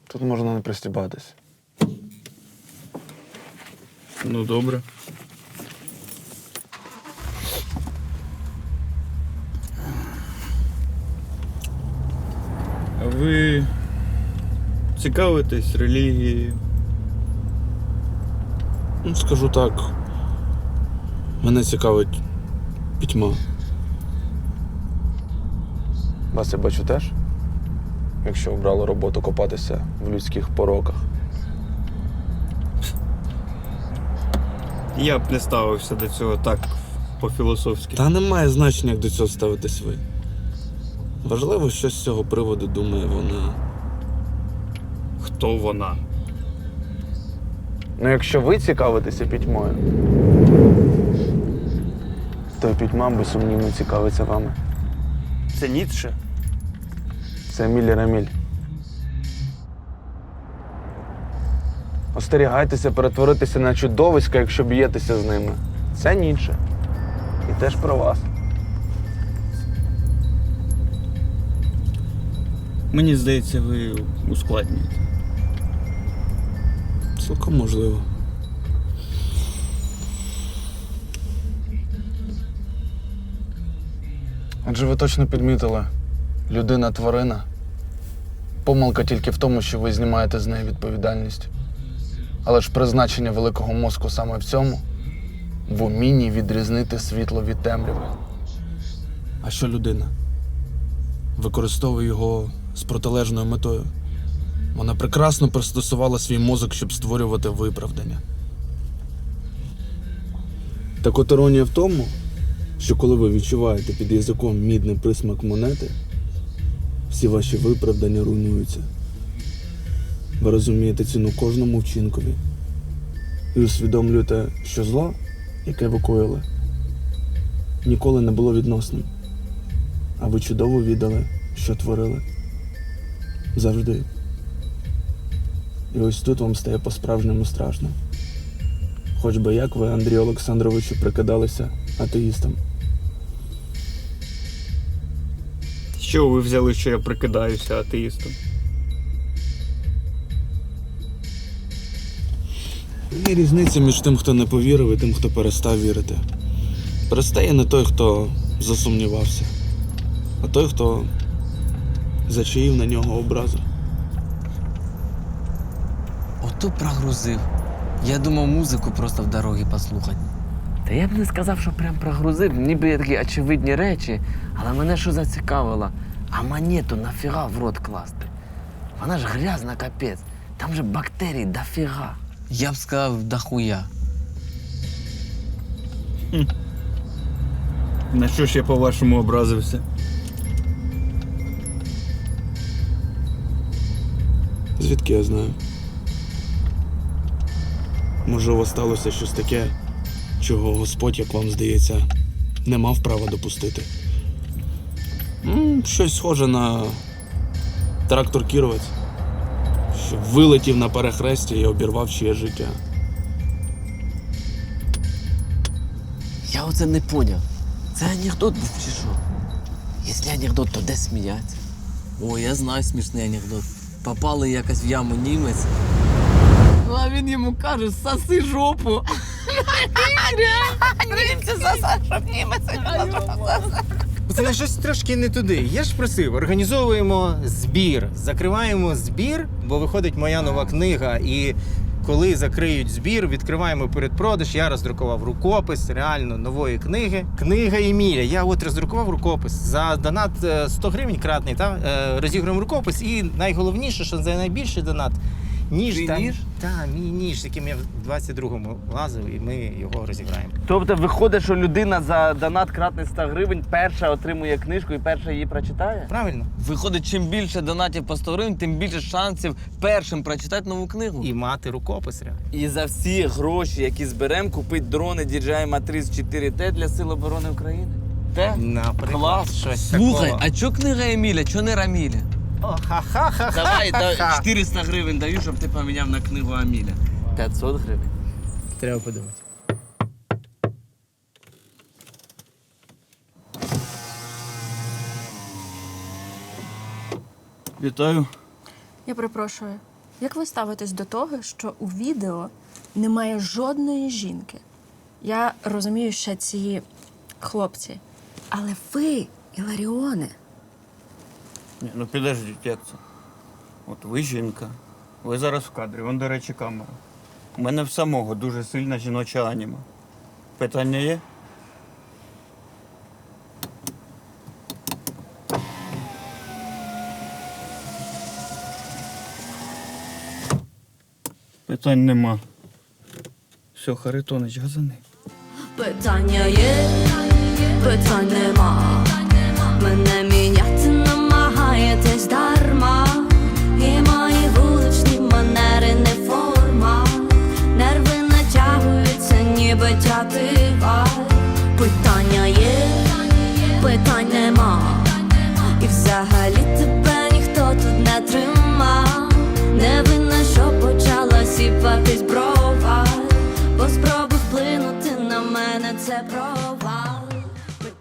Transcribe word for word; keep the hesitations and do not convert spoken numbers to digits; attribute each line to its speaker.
Speaker 1: Тут можна не пристібатись.
Speaker 2: Ну, добре. А ви цікавитесь релігією?
Speaker 3: Ну, скажу так. Мене цікавить пітьма.
Speaker 1: Вас я бачу теж, якщо обрали роботу копатися в людських пороках.
Speaker 2: Я б не ставився до цього так по-філософськи.
Speaker 3: Та немає значення, як до цього ставитесь ви. Важливо, що з цього приводу думає вона.
Speaker 2: Хто вона?
Speaker 1: Ну, якщо ви цікавитеся пітьмою, то пітьма безсумнівно цікавиться вами.
Speaker 2: Це Ніцше?
Speaker 1: Це Еміль Раміль. Остерігайтеся перетворитися на чудовиська, якщо б'єтеся з ними. Це Ніцше. І теж про вас.
Speaker 2: Мені здається, ви ускладнюєте.
Speaker 3: Цілком можливо.
Speaker 1: Адже ви точно підмітили, людина-тварина. Помилка тільки в тому, що ви знімаєте з неї відповідальність. Але ж призначення великого мозку саме в цьому – в умінні відрізнити світло від темряви.
Speaker 3: А що людина? Використовує його з протилежною метою. Вона прекрасно пристосувала свій мозок, щоб створювати виправдання. Так от іронія в тому, що коли ви відчуваєте під язиком мідний присмак монети, всі ваші виправдання руйнуються. Ви розумієте ціну кожному вчинкові і усвідомлюєте, що зло, яке ви коїли, ніколи не було відносним. А ви чудово віддали, що творили. Завжди. І ось тут вам стає по-справжньому страшно. Хоч би як ви, Андрію Олександровичу, прикидалися атеїстом.
Speaker 2: Що ви взяли, що я прикидаюся атеїстом?
Speaker 3: Є різниця між тим, хто не повірив, і тим, хто перестав вірити. Перестає не той, хто засумнівався, а той, хто зачаїв на нього образу.
Speaker 4: Ото прогрузив. Я думав музику просто в дорогі послухати. Та я б не сказав, що прям прогрузив, ніби є такі очевидні речі, але мене що зацікавило, а монету нафіга в рот класти? Вона ж грязна капець, там же бактерій дофіга. Я б сказав, дохуя.
Speaker 2: На що ж я по-вашому образився?
Speaker 3: Звідки я знаю? Може, у вас сталося щось таке, чого Господь, як вам здається, не мав права допустити? М, щось схоже на трактор-кіровець, що вилетів на перехресті і обірвав чиє життя.
Speaker 4: Я оце не поняв. Це анекдот був чи що? Якщо анекдот, то де сміяться? О, я знаю смішний анекдот. Попали якось в яму німець. А він йому каже, соси жопу. Німці сосать, щоб німець.
Speaker 5: Це щось трошки не туди. Я ж просив, організовуємо збір, закриваємо збір, бо виходить моя нова книга, і коли закриють збір, відкриваємо передпродаж. Я роздрукував рукопис реально нової книги. Книга Еміля. Я от роздрукував рукопис. За донат сто гривень кратний, та, розігруємо рукопис. І найголовніше, що за найбільший донат ніж.
Speaker 4: Твій
Speaker 5: там,
Speaker 4: ніж?
Speaker 5: Так, мій ніж, яким я в двадцять другому лазив, і ми його розіграємо.
Speaker 4: Тобто виходить, що людина за донат кратний сто гривень перша отримує книжку і перша її прочитає?
Speaker 5: Правильно?
Speaker 4: Виходить, чим більше донатів по сто гривень, тим більше шансів першим прочитати нову книгу.
Speaker 5: І мати рукопис реально.
Speaker 4: І за всі гроші, які зберемо, купить дрони ді джей ай Matrix чотири Т для Сил оборони України. Те?
Speaker 5: Наприклад,
Speaker 4: Клас.
Speaker 5: щось
Speaker 4: Слухай,
Speaker 5: такого.
Speaker 4: а чо книга Еміля, чо не Раміля?
Speaker 5: О, ха-ха-ха-ха.
Speaker 4: Давай, да, чотириста гривень даю, щоб ти поміняв на книгу Аміля. п'ятсот гривень.
Speaker 5: Треба подумати.
Speaker 2: Вітаю.
Speaker 6: Я перепрошую. Як ви ставитесь до того, що у відео немає жодної жінки? Я розумію, що ці хлопці. Але ви, Іларіоне,
Speaker 2: Ні, ну підождіть, як це? От ви жінка, ви зараз в кадрі, вон, до речі, камера. У мене в самого дуже сильна жіноча аніма. Питання є? Питань нема. Все, Харитонич, газани.
Speaker 7: Питання є, питань нема. Мене міняти намагаєтесь дарма. І мої вуличні манери не форма. Нерви натягуються, ніби тятива. Питання є, питань нема. І взагалі тебе ніхто тут не трима. Не винна, що почала сіпатись брова. Бо спроби вплинути на мене це провал.